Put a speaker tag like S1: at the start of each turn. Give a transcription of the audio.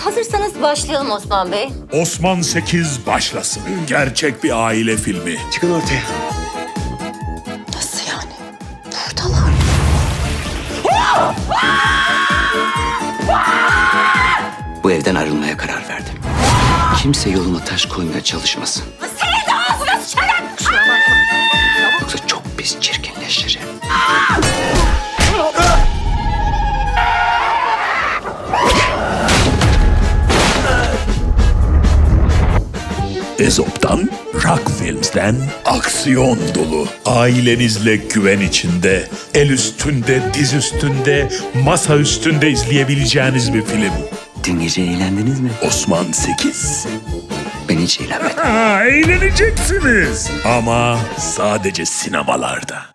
S1: Hazırsanız başlayalım Osman Bey.
S2: Osman 8 başlasın. Gerçek bir aile filmi.
S3: Çıkın ortaya.
S1: Nasıl yani? Buradalar.
S3: Bu evden ayrılmaya karar verdim. Kimse yoluma taş koymaya çalışmasın.
S1: Senin de ağzına sıçarım.
S3: Yoksa çok pis çirkinleşirim.
S2: Ezop'tan, Rock Films'ten aksiyon dolu. Ailenizle güven içinde, el üstünde, diz üstünde, masa üstünde izleyebileceğiniz bir film.
S3: Dün gece eğlendiniz mi?
S2: Osman 8.
S3: Ben hiç eğlenmedim.
S2: Eğleneceksiniz. Ama sadece sinemalarda.